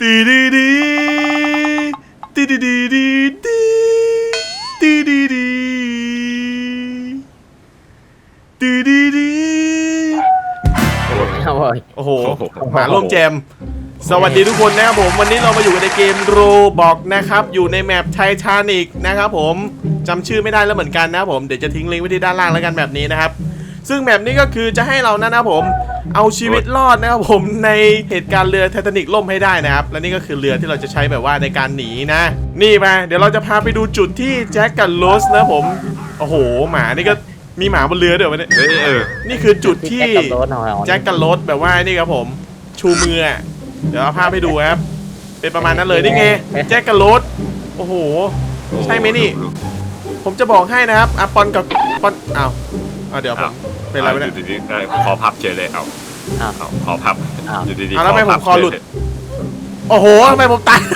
ตีดีดีตีดีดีดีตีดีดีตีดีดีโอ้โหหมาร่วมแจมสวัสดีทุกคนนะครับผมวันนี้เรามาอยู่ในเกมโรบอกนะครับอยู่ในแมปไททานิกนะครับผมจำชื่อไม่ได้แล้วเหมือนกันนะครับผมเดี๋ยวจะทิ้งลิงก์ไว้ที่ด้านล่างแล้วกันแบบนี้นะครับซึ่งแบบนี้ก็คือจะให้เรานะครับผมเอาชีวิตรอดนะครับผมในเหตุการณ์เรือไททานิกล่มให้ได้นะครับและนี่ก็คือเรือที่เราจะใช้แบบว่าในการหนีนะนี่มาเดี๋ยวเราจะพาไปดูจุดที่แจ็คกับโรสนะผมโอ้โหหมานี่ก็มีหมาบนเรือเดี๋ยววันนี้นี่คือจุดที่แจ็คกับโรสแบบว่านี่ครับผมชูมือเดี๋ยวเอาภาพให้ดูครับเป็นประมาณนั้นเลยนี่ไงแจ็คกับโรสโอ้โหใช่ไหมนี่ผมจะบอกให้นะครับอะปอนกับปอนเดี๋ยวผมเป็นอะไรวะเนี่ยขอพับเฉยเลยเอาขอพับอยู่ดีๆแล้วทำไมผมคอหลุดโอ้โหทำไมผมตาย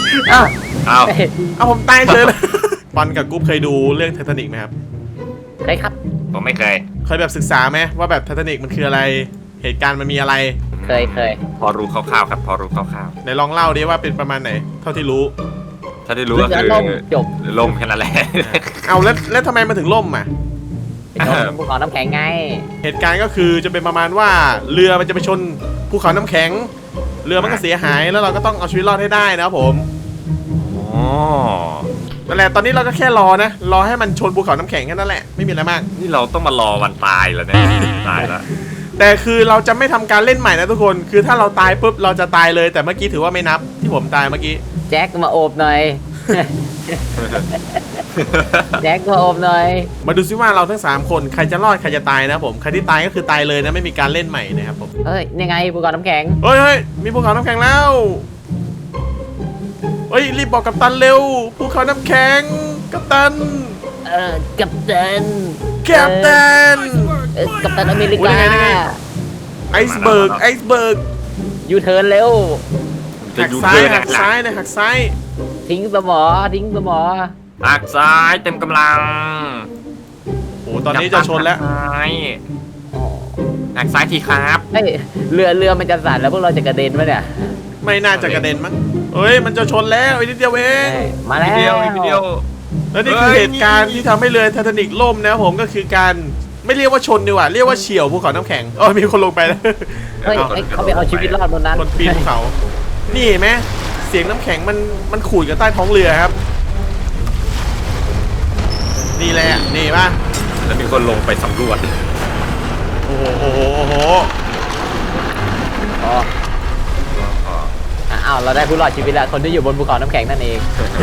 เอาผมตายเฉยเลยปอนกับกุ๊บเคยดูเรื่องไททานิกไหมครับเคยครับผมไม่เคยแบบศึกษาไหมว่าแบบไททานิกมันคืออะไรเหตุการณ์มันมีอะไรเคยพอรู้คร่าวๆครับพอรู้คร่าวๆไหนลองเล่าดิว่าเป็นประมาณไหนเท่าที่รู้ก็คือจบล่มแค่นั้นแหละเอาแล้วทำไมมันถึงล่มอ่ะภูเขาน้ำแข็งไงเหตุการณ์ก็คือจะเป็นประมาณว่าเรือมันจะไปชนภูเขาน้ำแข็งเรือมันก็เสียหายแล้วเราก็ต้องเอาชีวิตรอดให้ได้นะครับผมนั่นแหละตอนนี้เราก็แค่รอให้มันชนภูเขาน้ำแข็งแค่นั้นแหละไม่มีอะไรมากนี่เราต้องมารอวันตายแล้วเนี่ยตายแล้วแต่คือเราจะไม่ทำการเล่นใหม่นะทุกคนคือถ้าเราตายปุ๊บเราจะตายเลยแต่เมื่อกี้ถือว่าไม่นับที่ผมตายเมื่อกี้แจ็คมาโอบหน่อยแจ็คมาโอบหน่อยมาดูซิว่าเราทั้ง3คนใครจะรอดใครจะตายนะผมใครที่ตายก็คือตายเลยนะไม่มีการเล่นใหม่นะครับผมนี่ไงภูเขาน้ำแข็งเฮ้ยมีภูเขาน้ำแข็งแล้วรีบบอกกัปตันเร็วภูเขาน้ำแข็งกัปตันกัปตันกัปตันอเมริกาไอซ์เบิร์กยูเทิร์นเร็วหักซ้ายหักซ้ายทิ้งสมอหักซ้ายเต็มกำลังโอ้ตอนนี้จะชนแล้วหักซ้ายทีครับเรือมันจะสั่นแล้วพวกเราจะกระเด็นไหมเนี่ยไม่น่าจะกระเด็นมั้งมันจะชนแล้วอีกนิดเดียวเองมาแล้วแล้วนี่คือเหตุการณ์ที่ทำให้เรือไททานิกล่มนะผมก็คือการไม่เรียกว่าชนดีกว่าเรียกว่าเฉี่ยวภูเขาน้ำแข็งมีคนลงไปแล้วเขาไปเอาชีวิตรอดบนนั้นคนปีนภูเขานี่เห็นไหมเสียงน้ำแข็งมันขูดกับใต้ท้องเรือครับนี่แหละนี่ป่ะแล้วมีคนลงไปสำรวจโอ้โหเราได้ผู้รอดชีวิตแล้วคนที่อยู่บนภูเขาน้ำแข็งนั่นเอง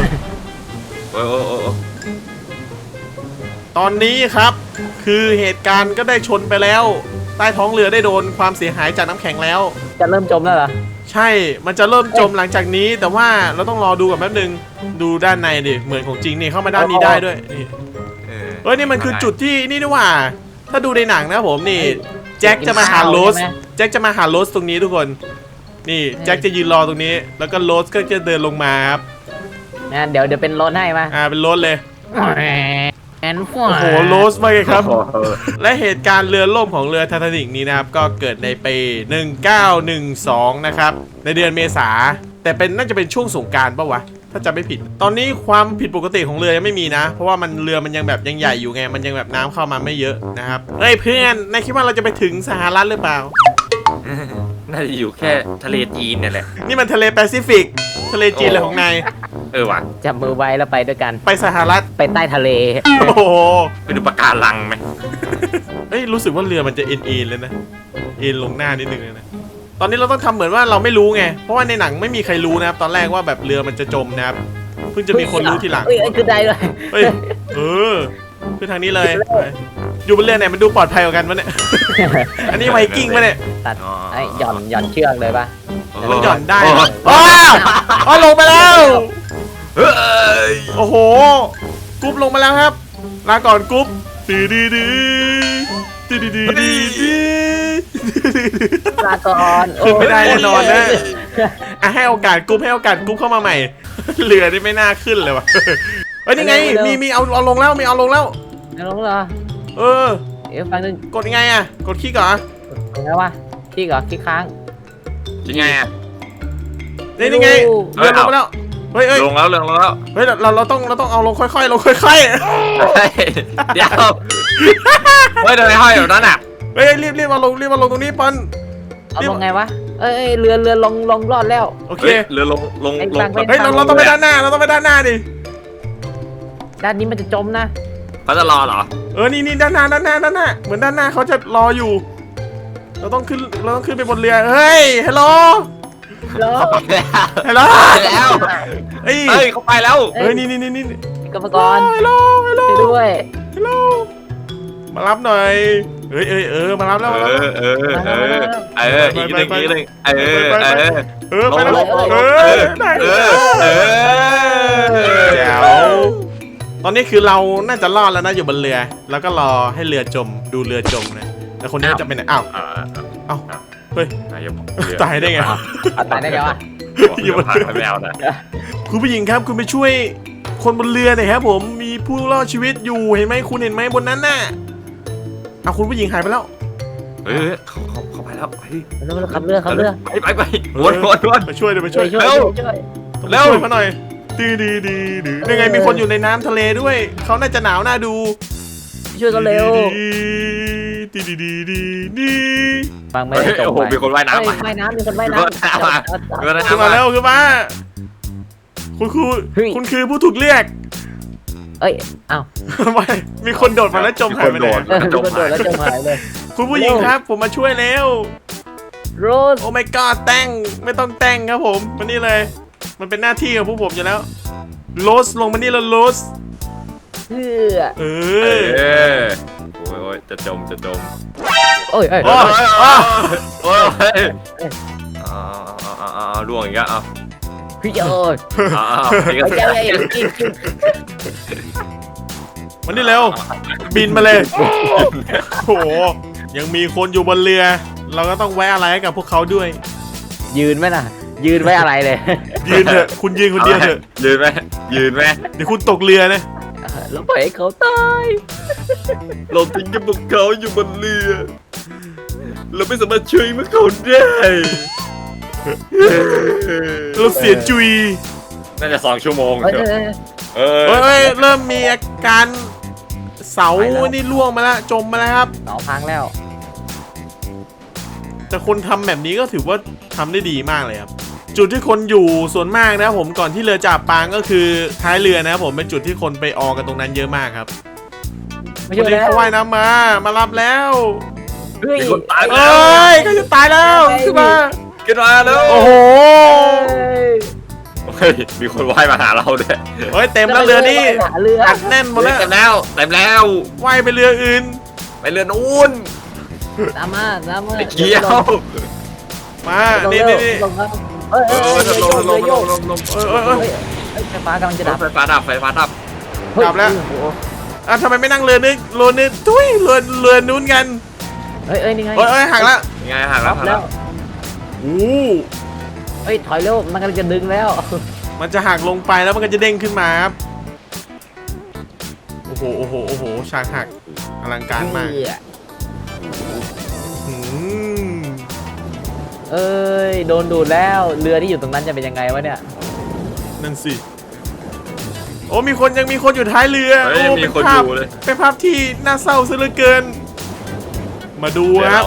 ตอนนี้ครับคือเหตุการณ์ก็ได้ชนไปแล้วใต้ท้องเรือได้โดนความเสียหายจากน้ำแข็งแล้วจะเริ่มจมแล้วเหรอใช่มันจะเริ่มจมหลังจากนี้แต่ว่าเราต้องรอดูก่อนแป๊บนึงดูด้านในดิเหมือนของจริงนี่เข้ามาด้านนี้ได้ด้วยนี่นี่มันคือจุดที่นี่นี่ว่าถ้าดูในหนังนะผมนี่แจ็คจะมาหาโรสตรงนี้ทุกคนนี่แจ็คจะยืนรอตรงนี้แล้วก็โรสก็จะเดินลงมาครับเดี๋ยวเป็นรถให้มาเป็นรถเลยโอ้โหโรสไปครับและเหตุการณ์เรือล่มของเรือไททานิกนี้นะครับก็เกิดในปี1912นะครับในเดือนเมษาแต่น่าจะเป็นช่วงสงกรานต์ป่าววะถ้าจำไม่ผิดตอนนี้ความผิดปกติของเรือยังไม่มีนะเพราะว่าเรือมันยังแบบยังใหญ่อยู่ไงมันยังแบบน้ำเข้ามาไม่เยอะนะครับเพื่อนนายคิดว่าเราจะไปถึงสหรัฐหรือเปล่าน่าจะอยู่แค่ทะเลจีนนี่แหละนี่มันทะเลแปซิฟิกทะเลจีนเลยของนายว่ะจับมือไว้แล้วไปด้วยกันไปสหรัฐไปใต้ทะเลโอ้โหไปดูปะการังไหมรู้สึกว่าเรือมันจะเอ็นเลยนะเอ็นลงหน้านิดนึงเลยนะตอนนี้เราต้องทำเหมือนว่าเราไม่รู้ไงเพราะว่าในหนังไม่มีใครรู้นะครับตอนแรกว่าแบบเรือมันจะจมนะครับเพิ่งจะมีคนรู้ทีหลังคือได้เลยคือทางนี้เลยอยู่บนเรือไหนมันดูปลอดภัยกว่ากันวะเนี่ยอันนี้ไวกิ้งปะเนี่ยตัดหย่อนเชือกเลยปะมันหย่อนได้ลงไปแล้วโอ้โหกุ๊บลงมาแล้วครับลาก่อนกุ๊บลาก่อนขึ้นไม่ได้แน่นอนนะให้โอกาสกุ๊บเข้ามาใหม่เรือนี่ไม่น่าขึ้นเลยวะนี่ไงมีเอาลงแล้วเอาลงเหรอฟังนึงกดยังไงกดคลิกเหรอไงวะคลิกเหรอคลิกค้างยังไงนี่ไงเรือลงไปแล้วเฮ้ยลงแล้วเฮ้ยเราต้องเอาลงค่อยๆลงค่อยเฮ้ยเดี๋ยวเฮ้ยทำไมห้อยแบบนั้นอ่ะๆเฮ้ยรีบมาลงตรงนี้ปอนเอาลงไงวะเอ้ยเรือลงรอดแล้วโอเคเรือลงเฮ้ยเราต้องไปด้านหน้าดิด้านนี้มันจะจมนะเขาจะรอเหรอนี่ด้านหน้าเหมือนด้านหน้าเขาจะรออยู่เราต้องขึ้นไปบนเรือเฮ้ยฮัลโหลแล้วฮัลโหลแล้วเฮ้ยเฮ้ยเขาไปแล้วนี่กรรมกรฮัลโหลด้วยฮัลโหลมารับหน่อยมารับแล้วอีกนึงไปแล้วได้แจ๋วตอนนี้คือเราน่าจะรอดแล้วนะอยู่บนเรือแล้วก็รอให้เรือจมดูเรือจมนะแต่คนนี้จะไปไหนอ้าวเฮ้ยตายได้ไงตายได้ไงวะอยู่บนเรือไม่เอานะคุณผู้หญิงครับคุณไปช่วยคนบนเรือหน่อยครับผมมีผู้รอดชีวิตอยู่เห็นไหมคุณเห็นไหมบนนั้นน่ะเอาคุณผู้หญิงหายไปแล้วเขาไปแล้วไปแล้วขับเรือไปวนไปช่วยต้องไปช่วยเขาหน่อยดียังไงมีคนอยู่ในน้ำทะเลด้วยเขาน่าจะหนาวน่าดูช่วยกันเร็วดีฟังไม่ได้จบโอ้โหมีคนว่ายน้ำว่ายน้ำมีคนว่ายน้ำขึ้นมาแล้วคือว่าคุณคือผู้ถูกเรียกเอ้ยอ้าวไม่มีคนโดดมาแล้วจมหายไปเลยมีคนโดดแล้วจมหายเลยคุณผู้หญิงครับผมมาช่วยแล้วโรสโอ้ my god แต่งไม่ต้องแต่งครับผมมานี่เลยมันเป็นหน้าที่ของพวกผมอยู่แล้วโรสลงมานี่แล้วโรสโอ้ยจะจมโอ้ยล่วงอีกแล้วพี่โอ้ยมันนี่เร็วบินมาเลยโอ้โหยังมีคนอยู่บนเรือเราก็ต้องแวะอะไรให้กับพวกเขาด้วยยืนไหมล่ะยืนไว้อะไรเลยยืนเถอะคุณยืนคนเดียวเถอะยืนไหมเดี๋ยวคุณตกเรือนะแล้วปล่อยให้เขาตายเราทิ้งกับพวกเขาอยู่บนเรือเราไม่สามารถช่วยพวกเขาได้เราเสียจุยน่าจะ2 ชั่วโมงเริ่มมีอาการเสานี่ล่วงมาแล้วจมมาแล้วครับเสาพังแล้วแต่คนทำแบบนี้ก็ถือว่าทำได้ดีมากเลยครับจุดที่คนอยู่ส่วนมากนะผมก่อนที่เรือจะอับปางก็คือท้ายเรือนะผมเป็นจุดที่คนไปออกันตรงนั้นเยอะมากครับคนนี้เขาว่ายน้ำมารับแล้วก็จะตายแล้วขึ้นมาแล้วโอ้โหมีคนว่ายมาหาเราด้วยเต็มแล้วเรือนี่อัดแน่นหมดแล้วเต็มแล้วว่ายไปเรืออื่นไปเรือนู้นตามมาไปเกี่ยวมานี่ลงไฟฟ้ากำลังจะดับไฟฟ้าดับดับแล้วทำไมไม่นั่งเรือนึกตุ้ยเรือนู้นกันนี่ไงหักแล้วไงหักแล้วถอยเร็วมันกำลังจะดึงแล้วมันจะหักลงไปแล้วมันก็จะเด้งขึ้นมาครับโอ้โหฉากหักอลังการมากโดนดูดแล้วเรือที่อยู่ตรงนั้นจะเป็นยังไงวะเนี่ยนั่นสิมีคนอยู่ท้ายเรือเป็นภาพที่น่าเศร้าซะเหลือเกินมาดูครับ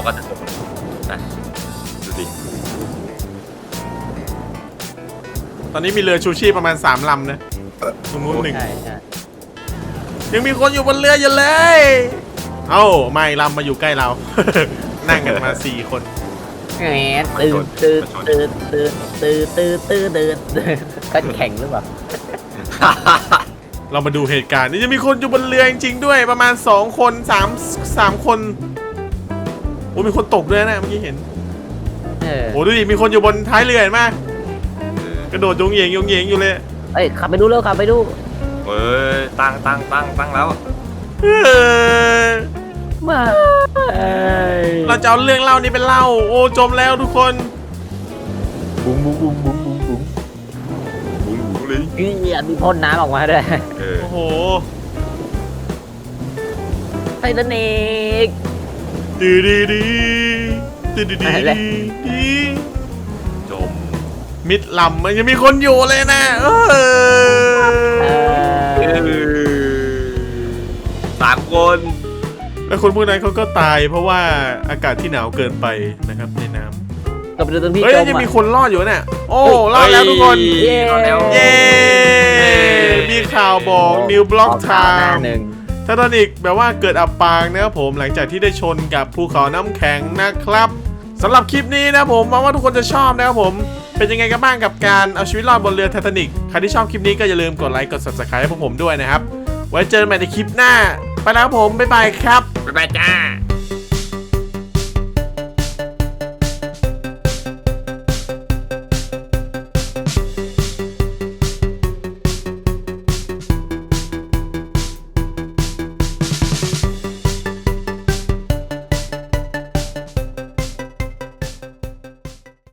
ตอนนี้มีเรือชูชีพประมาณ3 ลำนะตรงนู้น1ยังมีคนอยู่บนเรืออยู่เลยไม่ลำมาอยู่ใกล้เรา นั่งกันมา4 คนตื่นก็แข่งหรือเปล่าเรามาดูเหตุการณ์นี่จะมีคนอยู่บนเรือจริงๆด้วยประมาณ2 คน3 คนมีคนตกด้วยนะเมื่อกี้เห็นดูดิมีคนอยู่บนท้ายเรือเห็นไหมกระโดดยงเหยงอยู่เลยขับไปดูเร็วขับไปดูตั้งแล้วมาเราจะเอาเรื่องเล่านี้เป็นเล่าจมแล้วทุกคนบุ้งเลยมีพ่นน้ำออกมาด้วยโอ้โหไททานิกดีจมมิดลำมันยังมีคนอยู่เลยนะ 3 คนแล้วคนพวกนั้นเขาก็ตายเพราะว่าอากาศที่หนาวเกินไปนะครับในน้ำก็ไปดูตรงที่เฮ้ยจมยังมีอ่ะคนรอดอยู่เนี่ยโอ้รอดแล้วทุกคนเย้รอดแล้วเย้มีข่าวบอกนิวบล็อกไทหน้าม์หนึ่งไททานิกแบบว่าเกิดอับปางนะครับผมหลังจากที่ได้ชนกับภูเขาน้ำแข็งนะครับสำหรับคลิปนี้นะผมหวังว่าทุกคนจะชอบนะครับผมเป็นยังไงกันบ้างกับการเอาชีวิตรอดบนเรือไททานิกใครที่ชอบคลิปนี้ก็อย่าลืมกดไลค์กด subscribe ให้พวกผมด้วยนะครับไว้เจอกันใหม่ในคลิปหน้าไปแล้วครับผมบ๊ายบายครับบ๊ายบายจ้า